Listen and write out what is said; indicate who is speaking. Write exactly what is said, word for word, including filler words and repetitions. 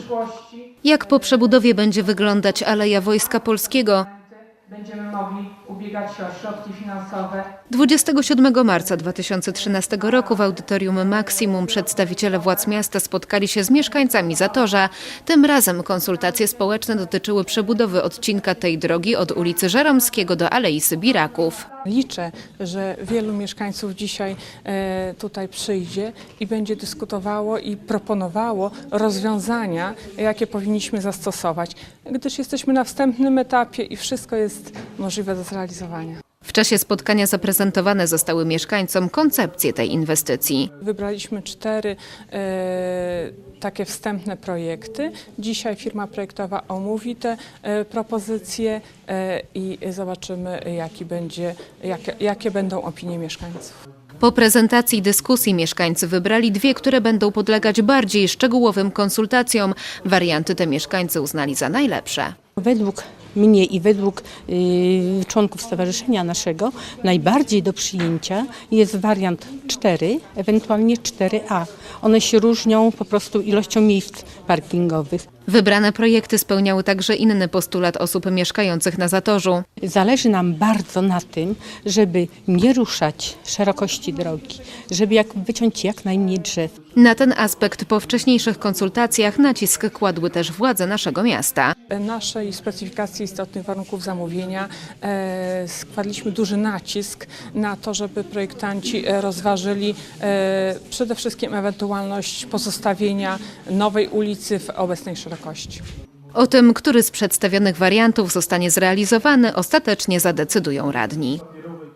Speaker 1: przyszłości.
Speaker 2: Jak po przebudowie będzie wyglądać Aleja Wojska Polskiego?
Speaker 1: Będziemy mogli ubiegać się o środki finansowe.
Speaker 2: dwudziestego siódmego marca dwa tysiące trzynastego roku w audytorium Maksimum przedstawiciele władz miasta spotkali się z mieszkańcami Zatorza. Tym razem konsultacje społeczne dotyczyły przebudowy odcinka tej drogi od ulicy Żeromskiego do Alei Sybiraków.
Speaker 3: Liczę, że wielu mieszkańców dzisiaj e, tutaj przyjdzie i będzie dyskutowało i proponowało rozwiązania, jakie powinniśmy zastosować, gdyż jesteśmy na wstępnym etapie i wszystko jest możliwe do zrealizowania.
Speaker 2: W czasie spotkania zaprezentowane zostały mieszkańcom koncepcje tej inwestycji.
Speaker 3: Wybraliśmy cztery e, takie wstępne projekty. Dzisiaj firma projektowa omówi te e, propozycje e, i zobaczymy, jaki będzie, jakie, jakie będą opinie mieszkańców.
Speaker 2: Po prezentacji dyskusji mieszkańcy wybrali dwie, które będą podlegać bardziej szczegółowym konsultacjom. Warianty te mieszkańcy uznali za najlepsze.
Speaker 4: Według mnie i według y, członków stowarzyszenia naszego najbardziej do przyjęcia jest wariant cztery, ewentualnie cztery A. One się różnią po prostu ilością miejsc parkingowych.
Speaker 2: Wybrane projekty spełniały także inny postulat osób mieszkających na Zatorzu.
Speaker 4: Zależy nam bardzo na tym, żeby nie ruszać szerokości drogi, żeby jak wyciąć jak najmniej drzew.
Speaker 2: Na ten aspekt po wcześniejszych konsultacjach nacisk kładły też władze naszego miasta.
Speaker 3: Naszej specyfikacji istotnych warunków zamówienia e, składliśmy duży nacisk na to, żeby projektanci rozważyli e, przede wszystkim ewentualność pozostawienia nowej ulicy w obecnej szerokości.
Speaker 2: O tym, który z przedstawionych wariantów zostanie zrealizowany, ostatecznie zadecydują radni.